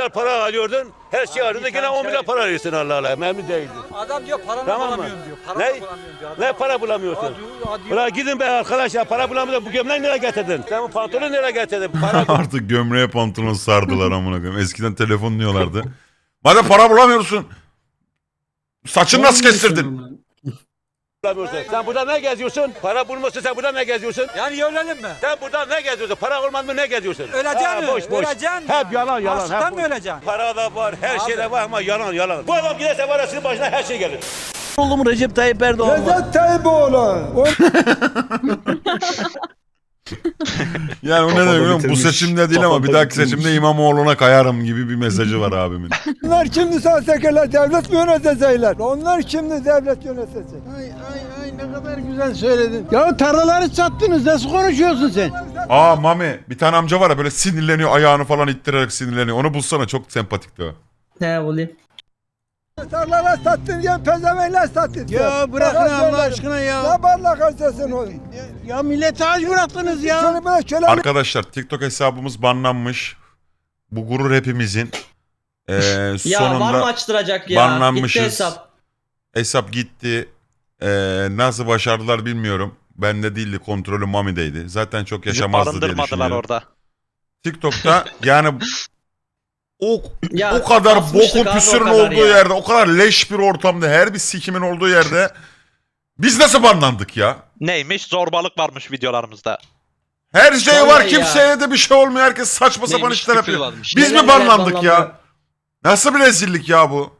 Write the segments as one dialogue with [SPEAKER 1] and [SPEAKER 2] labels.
[SPEAKER 1] milyar para alıyordun. Her şey alıyordun. Yine 10 milyar para alıyorsun Allah Allah. Memnun değildin.
[SPEAKER 2] Adam diyor paramı
[SPEAKER 1] Tamam mı?
[SPEAKER 2] bulamıyorum diyor. Paramı
[SPEAKER 1] Ne?
[SPEAKER 2] bulamıyorum diyor.
[SPEAKER 1] Ne para bulamıyorsun? Bırak gidin be arkadaş ya. Para bulamıyorsun. Bu gömleği nereye getirdin? Sen bu pantolonu nereye getirdin? Para
[SPEAKER 3] Artık gömleğe pantolon sardılar amına koyayım. Eskiden telefon diyorlardı. Madem para bulamıyorsun. Saçını nasıl kestirdin?
[SPEAKER 1] bulamıyorsun. Sen burada ne geziyorsun? Para bulmasın sen burada ne geziyorsun?
[SPEAKER 2] Yani ölelim mi?
[SPEAKER 1] Sen burada ne geziyorsun? Para olmaz mı ne geziyorsun?
[SPEAKER 2] Öleceksin mi?
[SPEAKER 1] Boş boş.
[SPEAKER 2] Öleceksin.
[SPEAKER 1] Hep yalan yalan.
[SPEAKER 2] Açlıktan
[SPEAKER 1] Hep
[SPEAKER 2] mı
[SPEAKER 1] boş.
[SPEAKER 2] öleceksin?
[SPEAKER 1] Para da var, her şey de var ama yalan yalan. Bu adam giderse var ya sizin başına her şey gelir.
[SPEAKER 4] Oğlum Recep Tayyip Erdoğan.
[SPEAKER 5] Recep Tayyip
[SPEAKER 3] Yani o ne demek biliyor musun? Bu seçimde değil ama bir dahaki seçimde İmamoğlu'na kayarım gibi bir mesajı var abimin.
[SPEAKER 5] Onlar şimdi sahtekar devlet mi yönetecekler? Onlar şimdi devlet yönetecek.
[SPEAKER 6] Ay ne kadar güzel söyledin. Ya tarlaları sattınız nasıl konuşuyorsun sen?
[SPEAKER 3] Aa Mami bir tane amca var ya böyle sinirleniyor ayağını falan ittirerek sinirleniyor. Onu bulsana çok sempatikti o.
[SPEAKER 4] Ne bulayım?
[SPEAKER 5] Tarlalar sattın diye pezevenler sattın.
[SPEAKER 6] Ya bırakın Allah aşkına ya.
[SPEAKER 5] Ne barla karşısın o?
[SPEAKER 6] Ya millete aç bıraktınız ya.
[SPEAKER 5] Şunu böyle köle
[SPEAKER 3] Arkadaşlar TikTok hesabımız banlanmış. Bu gurur hepimizin.
[SPEAKER 4] Ya
[SPEAKER 3] Sonunda
[SPEAKER 4] var mı açtıracak ya?
[SPEAKER 3] banlanmışız.
[SPEAKER 4] Gitti hesap.
[SPEAKER 3] Hesap gitti. Nasıl başardılar bilmiyorum. Bende değildi, kontrolü Mami'deydi. Zaten çok yaşamazdı diye
[SPEAKER 7] Barındırmadılar
[SPEAKER 3] düşünüyorum.
[SPEAKER 7] orada.
[SPEAKER 3] TikTok'ta yani
[SPEAKER 4] Ya,
[SPEAKER 3] o kadar
[SPEAKER 4] basmıştık
[SPEAKER 3] bokun
[SPEAKER 4] abi,
[SPEAKER 3] püsürün
[SPEAKER 4] o kadar
[SPEAKER 3] olduğu
[SPEAKER 4] ya.
[SPEAKER 3] yerde, o kadar leş bir ortamda, her bir sikimin olduğu yerde biz nasıl banlandık ya?
[SPEAKER 7] Neymiş? Zorbalık varmış videolarımızda.
[SPEAKER 3] Her şey
[SPEAKER 4] Vallahi
[SPEAKER 3] var,
[SPEAKER 4] ya.
[SPEAKER 3] kimseye de bir şey olmuyor. Herkes saçma sapan
[SPEAKER 7] Neymiş?
[SPEAKER 3] işler
[SPEAKER 7] Küfür
[SPEAKER 3] yapıyor.
[SPEAKER 7] varmış.
[SPEAKER 3] Biz
[SPEAKER 4] Neler
[SPEAKER 3] mi banlandık
[SPEAKER 4] banlandı.
[SPEAKER 3] ya? Nasıl bir rezillik ya bu?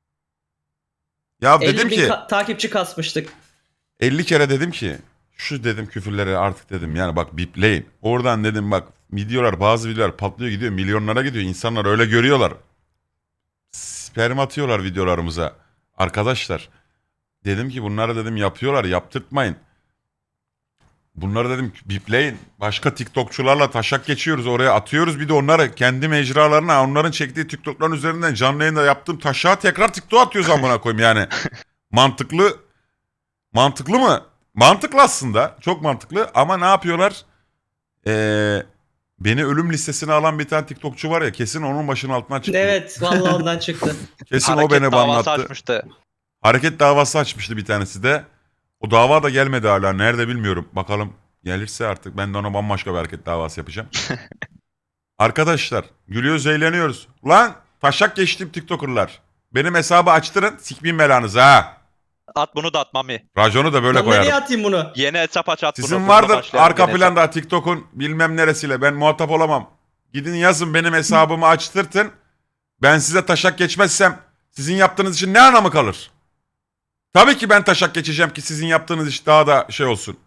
[SPEAKER 3] Ya
[SPEAKER 4] 50
[SPEAKER 3] dedim
[SPEAKER 4] bin
[SPEAKER 3] ki
[SPEAKER 4] takipçi kasmıştık.
[SPEAKER 3] 50 kere dedim ki şu dedim küfürleri artık dedim yani bak bipleyin. Oradan dedim bak videolar bazı videolar patlıyor gidiyor milyonlara gidiyor. İnsanlar öyle görüyorlar. Sperm atıyorlar videolarımıza. Arkadaşlar dedim ki bunları dedim yapıyorlar yaptırtmayın. Bunları dedim bipleyin. Başka TikTokçularla taşak geçiyoruz oraya atıyoruz bir de onları kendi mecralarına onların çektiği TikTok'ların üzerinden canlı yayında yaptığım taşağı tekrar TikTok'a atıyoruz amına koyayım yani. Mantıklı mı? Mantıklı aslında. Çok mantıklı ama ne yapıyorlar? Beni ölüm listesine alan bir tane TikTokçu var ya kesin onun başının altından çıktı.
[SPEAKER 4] Evet vallahi ondan çıktı.
[SPEAKER 3] Kesin o
[SPEAKER 7] Hareket
[SPEAKER 3] beni
[SPEAKER 7] davası
[SPEAKER 3] banlattı.
[SPEAKER 7] açmıştı.
[SPEAKER 3] Hareket davası açmıştı bir tanesi de. O dava da gelmedi hala. Nerede bilmiyorum. Bakalım gelirse artık ben de ona bambaşka bir hareket davası yapacağım. Arkadaşlar gülüyoruz eğleniyoruz. Ulan taşak geçtim TikToker'lar. Benim hesabı açtırın sikmeyin belanızı ha.
[SPEAKER 7] At bunu da at Mami.
[SPEAKER 3] Raconu da böyle
[SPEAKER 4] Lan nereye
[SPEAKER 3] koyarım.
[SPEAKER 4] atayım bunu?
[SPEAKER 7] Yeni hesap aç at bunu.
[SPEAKER 3] Sizin
[SPEAKER 7] Bununla
[SPEAKER 3] vardır
[SPEAKER 7] başlayalım
[SPEAKER 3] arka
[SPEAKER 7] yeni hesap.
[SPEAKER 3] planda TikTok'un bilmem neresiyle ben muhatap olamam. Gidin yazın benim hesabımı açtırtın. Ben size taşak geçmezsem sizin yaptığınız için ne anlamı kalır? Tabii ki ben taşak geçeceğim ki sizin yaptığınız iş daha da şey olsun.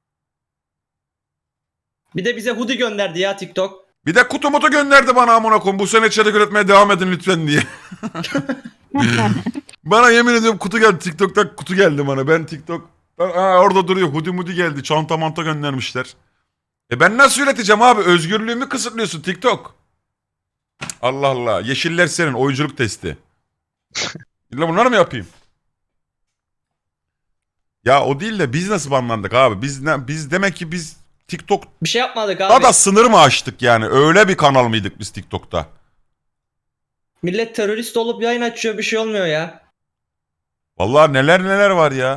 [SPEAKER 4] Bir de bize hoodie gönderdi ya TikTok.
[SPEAKER 3] Bir de kutu mutu gönderdi bana amına koyayım. Bu sene içerik üretmeye devam edin lütfen diye. Bana yemin ediyorum kutu geldi. TikTok'ta kutu geldi bana. Ben TikTok orada duruyor. Hoodie mudi geldi. Çanta manta göndermişler. Ben nasıl üreteceğim abi? Özgürlüğümü kısıtlıyorsun TikTok. Allah Allah. Yeşiller senin. Oyunculuk testi. İlla bunları mı yapayım? Ya o değil de biz nasıl banlandık abi? Biz demek ki biz TikTok
[SPEAKER 4] Bir şey yapmadık abi.
[SPEAKER 3] daha da sınır mı aştık yani? Öyle bir kanal mıydık biz TikTok'ta?
[SPEAKER 4] Millet terörist olup yayın açıyor bir şey olmuyor ya.
[SPEAKER 3] Vallahi neler var ya.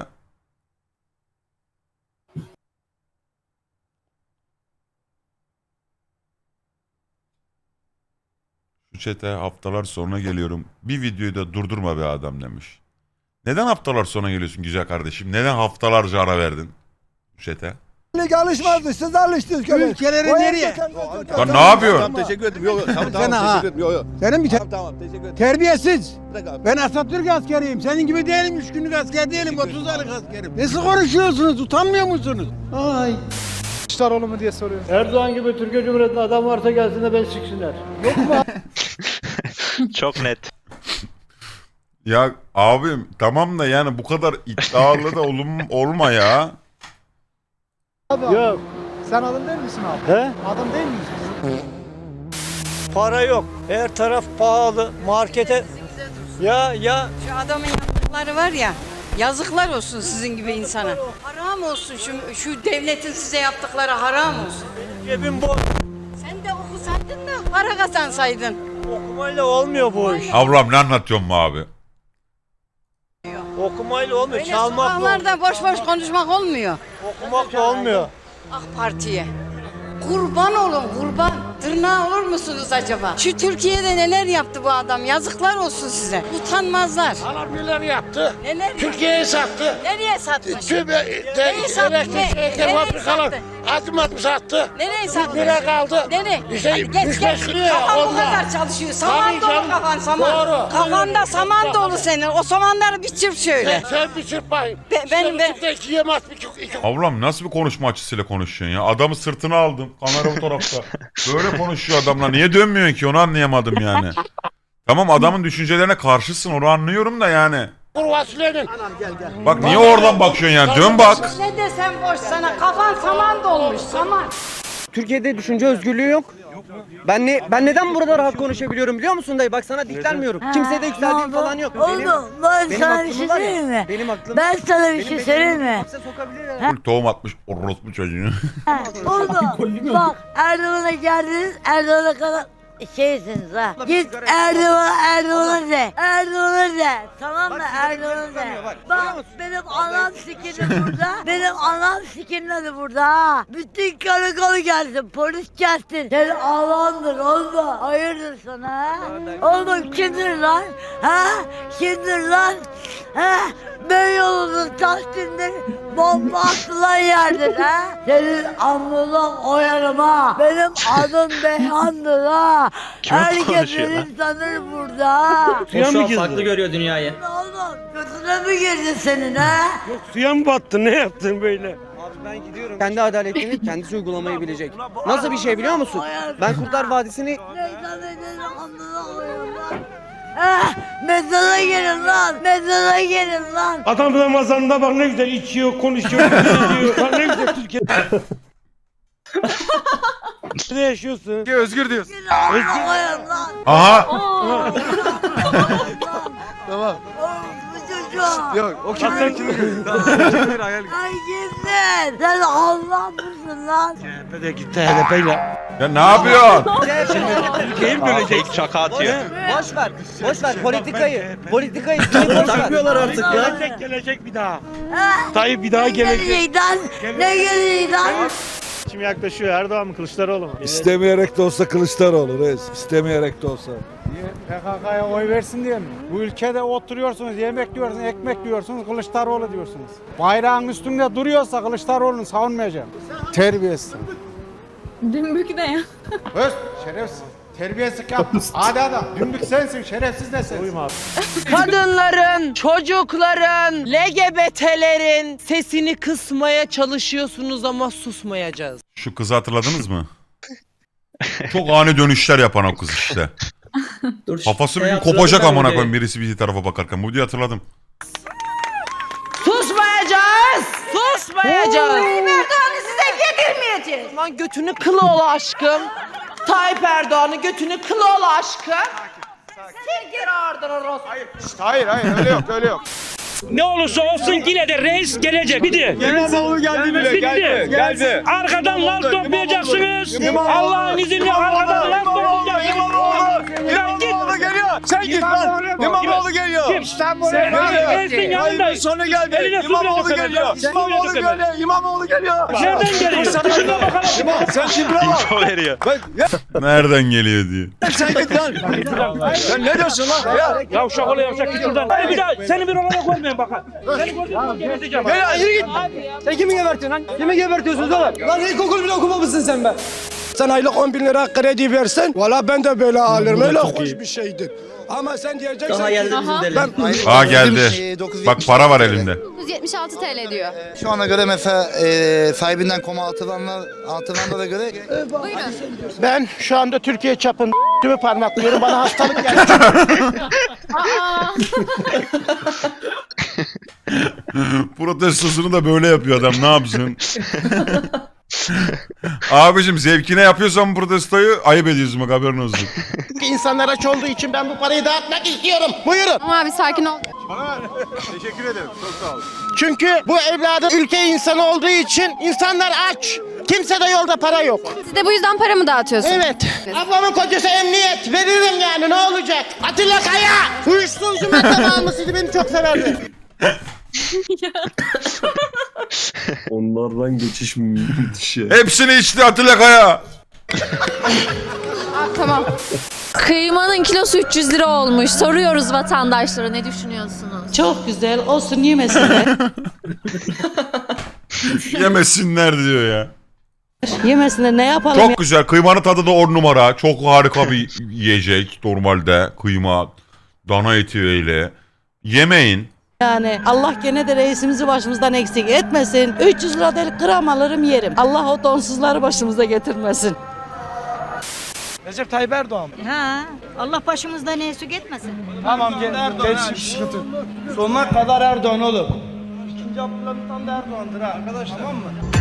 [SPEAKER 3] Şu chat'e haftalar sonra geliyorum. Bir videoyu da durdurma be adam demiş. Neden haftalar sonra geliyorsun güzel kardeşim? Neden haftalarca ara verdin şu chat'e?
[SPEAKER 5] alışmazdı. Siz alıştınız köle.
[SPEAKER 6] Ülkeleri nereye?
[SPEAKER 3] Lan ne yapıyorsun?
[SPEAKER 8] Teşekkür ederim. Yok, tamam
[SPEAKER 6] Sen ha.
[SPEAKER 8] teşekkür ederim. Yok.
[SPEAKER 6] Senin bir
[SPEAKER 8] Tamam teşekkür ederim.
[SPEAKER 6] terbiyesiz.
[SPEAKER 8] Bırak abi.
[SPEAKER 6] Ben Atatürk askeriyim. Senin gibi değilim. 3 günlük asker değilim. 30 aylık askerim. Nasıl konuşuyorsunuz? Utanmıyor musunuz? Ay.
[SPEAKER 9] Kılıçdaroğlu mu diye soruyor.
[SPEAKER 10] Erdoğan gibi Türkiye Cumhuriyeti'nde adam varsa gelsin de beni siksinler. Yok mu?
[SPEAKER 7] Çok net.
[SPEAKER 3] Ya abim tamam da yani bu kadar iddialı da olma ya.
[SPEAKER 10] Yok.
[SPEAKER 9] Sen adam değil misin abi?
[SPEAKER 10] He?
[SPEAKER 9] Adam değil misin?
[SPEAKER 2] Para yok. Her taraf pahalı. Markete ya
[SPEAKER 11] Şu adamın yaptıkları var ya, yazıklar olsun sizin gibi insana. Haram olsun şu devletin size yaptıkları haram olsun.
[SPEAKER 2] cebim boş.
[SPEAKER 11] Sen de okusaydın da para kazansaydın.
[SPEAKER 2] Okumayla olmuyor bu iş.
[SPEAKER 3] Ablam ne anlatıyorsun mu abi?
[SPEAKER 2] Okumayla olmuyor.
[SPEAKER 11] Öyle
[SPEAKER 2] Çalmakla
[SPEAKER 11] sokaklarda boş boş konuşmak olmuyor.
[SPEAKER 2] okumakla olmuyor.
[SPEAKER 11] AK Parti'ye. Kurban olun kurban. Tırnağı olur musunuz acaba? Şu Türkiye'de neler yaptı bu adam? Yazıklar olsun size. Utanmazlar.
[SPEAKER 10] Adam neler yaptı?
[SPEAKER 11] Neler
[SPEAKER 10] Türkiye'yi sattı.
[SPEAKER 11] Nereye satmış?
[SPEAKER 10] Tüm
[SPEAKER 11] Neyi sattı?
[SPEAKER 10] elektrik
[SPEAKER 11] Nereye
[SPEAKER 10] fabrikalar
[SPEAKER 11] sattı?
[SPEAKER 10] adım sattı.
[SPEAKER 11] Nereye satmış?
[SPEAKER 10] Lira kaldı.
[SPEAKER 11] Nereye?
[SPEAKER 10] İşte
[SPEAKER 11] Hadi geç
[SPEAKER 10] üç
[SPEAKER 11] geç.
[SPEAKER 10] beş liraya
[SPEAKER 11] Kafan bu
[SPEAKER 10] onlar.
[SPEAKER 11] kadar çalışıyor. Saman
[SPEAKER 10] Tabii
[SPEAKER 11] dolu
[SPEAKER 10] canım.
[SPEAKER 11] kafan saman.
[SPEAKER 10] Doğru.
[SPEAKER 11] Kafanda saman dolu senin. O samanları bir çırp şöyle.
[SPEAKER 10] Sen bir çırpayım.
[SPEAKER 11] Ben
[SPEAKER 10] Yiyemez bir
[SPEAKER 3] Ablam nasıl bir konuşma açısıyla konuşuyorsun ya? Adamı sırtına aldın. Kamera bu tarafta. Böyle konuşuyor adamla. Niye dönmüyorsun ki? Onu anlayamadım yani. Tamam adamın düşüncelerine karşısın. Onu anlıyorum da yani.
[SPEAKER 10] kuru fasulyenin.
[SPEAKER 3] Bak niye oradan bakıyorsun yani? Dön bak.
[SPEAKER 11] ne desem boş sana. Kafan saman dolmuş saman.
[SPEAKER 4] Türkiye'de düşünce özgürlüğü yok. Ben neden burada rahat konuşabiliyorum biliyor musun dayı? Bak sana diklenmiyorum. Kimseye de yükseldiğim falan yok.
[SPEAKER 8] Oğlum ben
[SPEAKER 4] benim
[SPEAKER 8] sana bir
[SPEAKER 4] aklımı
[SPEAKER 8] şey
[SPEAKER 4] var ya,
[SPEAKER 8] söyleyeyim mi?
[SPEAKER 4] Benim aklım.
[SPEAKER 8] Ben sana bir şey söyleyeyim mi?
[SPEAKER 4] Hapse sokabilir ya.
[SPEAKER 3] Full tohum atmış orospu çocuğunu.
[SPEAKER 8] Oğlum bak Erdoğan'a geldiniz Erdoğan'a kadar şeysiniz ha. Git Erdoğan'a de. Erdoğan'a de. Tamam mı? Erdoğan'a de. Bak benim anam sikini burada. Benim anam sikini burada ha. Bütün karakolu gelsin. Polis gelsin. Senin Allah'ındır oğlum. Hayırdır sana ha? Oğlum kimdir lan? Ha? Kimdir lan? Ha? Beyoğlu'nun Tahsin'dir. Bomba atılan yerdir ha. Senin amına koyarım ha. Benim adım Beyhan'dır ha.
[SPEAKER 7] Kim
[SPEAKER 8] Herkes
[SPEAKER 7] konuşuyor lan?
[SPEAKER 8] beni tanır burada ha.
[SPEAKER 4] O şu an farklı görüyor dünyayı.
[SPEAKER 8] Oğlum götüne mi girdin senin ha?
[SPEAKER 10] Suya mı battın? Ne yaptın böyle?
[SPEAKER 4] Abi ben gidiyorum. Kendi adaletini kendisi uygulamayı bilecek. Nasıl bir şey biliyor musun? Ben Kurtlar Vadisi'ni
[SPEAKER 8] Neyden edelim amına koyarım lan. Mezara gelin lan. Mezara gelin lan.
[SPEAKER 10] Adam Ramazan'da bak ne güzel içiyor, konuşuyor, konuşuyor. Bak ne güzel Türkiye. Nerede yaşıyorsun?
[SPEAKER 5] Özgür diyorsun.
[SPEAKER 8] Amına koyarım lan.
[SPEAKER 3] Aha.
[SPEAKER 5] Tamam.
[SPEAKER 8] Oğlum bu çocuğa.
[SPEAKER 5] Yok o kim?
[SPEAKER 8] Ay kimsin? Sen Allah mısın lan?
[SPEAKER 10] HDP gitti HDP'yle.
[SPEAKER 3] Ya ne yapıyorsun?
[SPEAKER 10] Ülkeyi bölecek.
[SPEAKER 7] Fake çaka atıyor.
[SPEAKER 4] boş ver. Boş ver politikayı takmıyorlar artık ya.
[SPEAKER 10] Gelecek bir daha. Tayyip bir daha
[SPEAKER 8] Ne
[SPEAKER 10] gelecek.
[SPEAKER 8] gelecek lan? Ne gelecek lan?
[SPEAKER 10] Kim yaklaşıyor? Erdoğan mı Kılıçdaroğlu mu?
[SPEAKER 5] İstemeyerek de olsa Kılıçdaroğlu reis. İstemeyerek de olsa.
[SPEAKER 9] PKK'ya oy versin diye mi? Bu ülkede oturuyorsunuz, yemek yiyorsunuz, ekmek yiyorsunuz, Kılıçdaroğlu diyorsunuz. Bayrağın üstünde duruyorsa Kılıçdaroğlu'nu savunmayacağım. Terbiyesiz.
[SPEAKER 8] Dümbük ne ya?
[SPEAKER 9] Öz, şerefsiz. Terbiyesizlik yap. Hadi adam. Dümbük sensin, şerefsiz de sensin.
[SPEAKER 10] Uyum abi.
[SPEAKER 12] Kadınların, çocukların, LGBT'lerin sesini kısmaya çalışıyorsunuz ama susmayacağız.
[SPEAKER 3] Şu kızı hatırladınız mı? Çok ani dönüşler yapan o kız işte.
[SPEAKER 4] Dur,
[SPEAKER 3] Kafası bir gün
[SPEAKER 4] hatırladım
[SPEAKER 3] kopacak
[SPEAKER 4] ben
[SPEAKER 3] amına
[SPEAKER 4] videoyu.
[SPEAKER 3] koyayım birisi bir tarafa bakarken. Bu diye hatırladım.
[SPEAKER 12] Susmayacağız! Susmayacağız!
[SPEAKER 11] Erdoğan'ı size yedirmeyeceğiz.
[SPEAKER 12] Lan götünü kılı ol aşkım. Tayyip Erdoğan'ın götünü kılı ol aşkım. Sil geri oradan orospu.
[SPEAKER 5] Hayır öyle yok öyle yok.
[SPEAKER 10] Ne olursa olsun yine de reis gelecek. Bitti.
[SPEAKER 5] İmamoğlu geldi bile geldi.
[SPEAKER 10] Arkadan laf toplayacaksınız. Allah'ın izniyle arkadan laf toplayacaksınız.
[SPEAKER 5] İmamoğlu geliyor. Sen git lan. İmamoğlu geliyor.
[SPEAKER 10] Sen reisin yanındayız.
[SPEAKER 5] Sonra geldi. İmamoğlu geliyor. İmamoğlu geliyor. İmamoğlu geliyor.
[SPEAKER 10] Nereden geliyor? Şuna bakalım.
[SPEAKER 5] Sen şimdi bak.
[SPEAKER 7] İnfo veriyor.
[SPEAKER 3] Nereden geliyor diye.
[SPEAKER 5] Sen git lan. Sen ne diyorsun lan? Ya.
[SPEAKER 10] Yavşak ol yavşak git şuradan. Hadi bir daha seni bir olana koymayın bakın. Seni gördüğüm zaman geberteceğim.
[SPEAKER 5] Ya yürü git.
[SPEAKER 4] Sen kimi gebertiyorsun lan? Kimi gebertiyorsunuz oğlum? Lan ilkokul bile okumamışsın sen be.
[SPEAKER 5] Sen aylık 10 bin lira kredi versen valla ben de böyle alırım. Öyle hoş bir şeydir. Ama sen diyeceksin
[SPEAKER 4] Daha
[SPEAKER 5] ki
[SPEAKER 4] geldi bizim deli.
[SPEAKER 3] Aa geldi. Bak para var elinde.
[SPEAKER 8] 976 TL diyor.
[SPEAKER 5] şu ana göre mesela sahibinden koma atılanlara göre
[SPEAKER 8] Buyurun.
[SPEAKER 10] Ben şu anda Türkiye çapında parmaklıyorum. Bana hastalık geldi.
[SPEAKER 3] Protestosunu da böyle yapıyor adam. Ne yapsın? Abicim zevkine yapıyorsan protestoyu ayıp ediyorsun bak haberin olsun.
[SPEAKER 10] İnsanlar aç olduğu için ben bu parayı dağıtmak istiyorum. Buyurun.
[SPEAKER 8] Ama abi sakin ol.
[SPEAKER 5] teşekkür ederim. Çok sağ ol.
[SPEAKER 10] Çünkü bu evladım ülke insanı olduğu için insanlar aç.
[SPEAKER 5] Kimse de yolda para yok.
[SPEAKER 11] Siz de bu yüzden para mı dağıtıyorsunuz?
[SPEAKER 5] Evet. Ablamın kocası emniyet. Veririm yani ne olacak? Atilla Kaya. Uyuşturucu madde almışsıydı beni çok severdi.
[SPEAKER 13] Onlardan geçiş müthiş ya.
[SPEAKER 3] Hepsini içti Atilla Kaya.
[SPEAKER 11] Tamam.
[SPEAKER 12] Kıymanın kilosu 300 lira olmuş. Soruyoruz vatandaşlara, ne düşünüyorsunuz?
[SPEAKER 8] Çok güzel olsun yemesinler.
[SPEAKER 3] Yemesinler diyor ya.
[SPEAKER 8] Yemesinler ne yapalım
[SPEAKER 3] Çok güzel. Kıymanın tadı da 10 numara. Çok harika bir yiyecek normalde. Kıyma, dana eti öyle. Yemeyin.
[SPEAKER 8] yani. Allah gene de reisimizi başımızdan eksik etmesin. 300 lira değil gram alırım yerim. Allah o donsuzları başımıza getirmesin.
[SPEAKER 2] Recep Tayyip Erdoğan.
[SPEAKER 8] Ha, Allah başımızdan eksik etmesin.
[SPEAKER 2] Tamam genç sıkıntı. Sonuna kadar Erdoğan oğlum. İkinci Abdülhamit Han da Erdoğan'dır ha arkadaşlar. Tamam mı?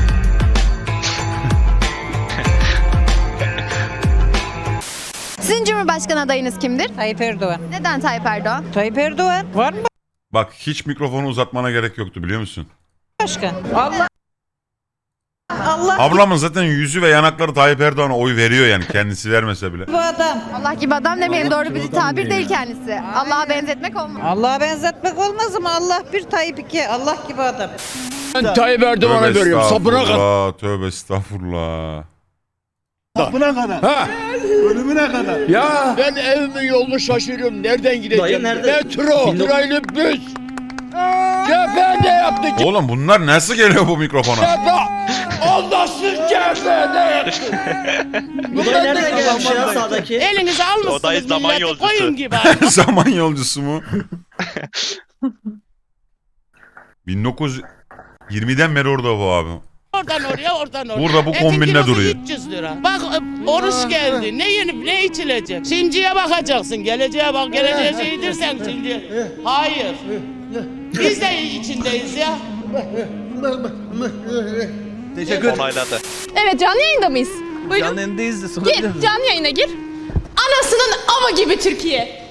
[SPEAKER 11] Sizin Cumhurbaşkanı adayınız kimdir?
[SPEAKER 8] Tayyip Erdoğan.
[SPEAKER 11] Neden Tayyip Erdoğan?
[SPEAKER 8] Tayyip Erdoğan. Var mı
[SPEAKER 3] Bak hiç mikrofonu uzatmana gerek yoktu biliyor musun?
[SPEAKER 8] başkan? Allah.
[SPEAKER 3] Ablamın zaten yüzü ve yanakları Tayyip Erdoğan'a oy veriyor yani kendisi vermese bile.
[SPEAKER 8] Bu adam.
[SPEAKER 11] Allah gibi adam demeyelim, doğru bir tabir değil kendisi. Allah'a benzetmek olmaz.
[SPEAKER 8] Allah'a benzetmek olmaz ama Allah bir Tayyip iki. Allah gibi adam.
[SPEAKER 10] Ben Tayyip Erdoğan'a veriyorum. Sapına kadar.
[SPEAKER 3] Tövbe estağfurullah.
[SPEAKER 6] Sapına kadar.
[SPEAKER 10] Ha.
[SPEAKER 6] Ölümüne kadar.
[SPEAKER 10] Ya ben evimin yolunu şaşırıyorum. Nereden gideceğim? Metro, trolleybüs. CHP ne yaptı?
[SPEAKER 3] Oğlum bunlar nasıl geliyor bu mikrofona?
[SPEAKER 10] CHP. Allahsız CHP ne yaptı?
[SPEAKER 2] Bunlar nereden gelmiş ya sağdaki?
[SPEAKER 12] Elinize
[SPEAKER 7] O da zaman yolcusu.
[SPEAKER 3] Zaman yolcusu mu? 1920'den beri orada bu abi.
[SPEAKER 12] Oradan oraya, oradan oraya.
[SPEAKER 3] Burada bu kombinle duruyor.
[SPEAKER 12] 300 lira. Bak oruç geldi. Ne yenip ne içilecek? Şimdiye bakacaksın. Geleceğe bak. Geleceğe şeydir sen şimdi. Hayır. Biz de içindeyiz ya.
[SPEAKER 2] Teşekkür ederim.
[SPEAKER 7] Onayladı.
[SPEAKER 11] Evet, canlı yayında mıyız? Buyurun.
[SPEAKER 2] Canlı yayındayız da sorabilir miyim?
[SPEAKER 11] Canlı yayına gir. Anasının ama gibi Türkiye.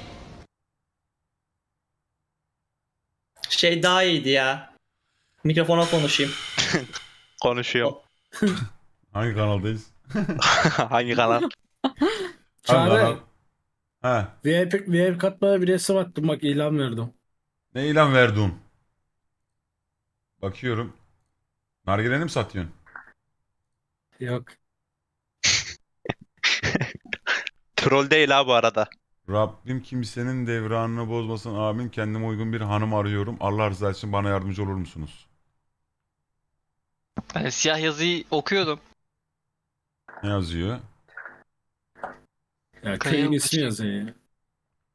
[SPEAKER 2] Şey daha iyiydi ya. Mikrofona konuşayım.
[SPEAKER 7] Konuşuyorum.
[SPEAKER 3] Hangi kanaldayız?
[SPEAKER 7] Hangi kanal?
[SPEAKER 3] Hangi kanal? Ha.
[SPEAKER 13] VIP katmaya bir resim attım bak ilan verdim.
[SPEAKER 3] Ne ilan verdin? Bakıyorum. Nargileni mi satıyorsun?
[SPEAKER 13] Yok.
[SPEAKER 7] Troll değil ha bu arada.
[SPEAKER 3] Rabbim kimsenin devranını bozmasın. Amin. Kendime uygun bir hanım arıyorum. Allah rızası için bana yardımcı olur musunuz?
[SPEAKER 14] Ben siyah yazıyı okuyordum.
[SPEAKER 3] Ne yazıyor?
[SPEAKER 13] Ya köyün ismi yazıyor ya.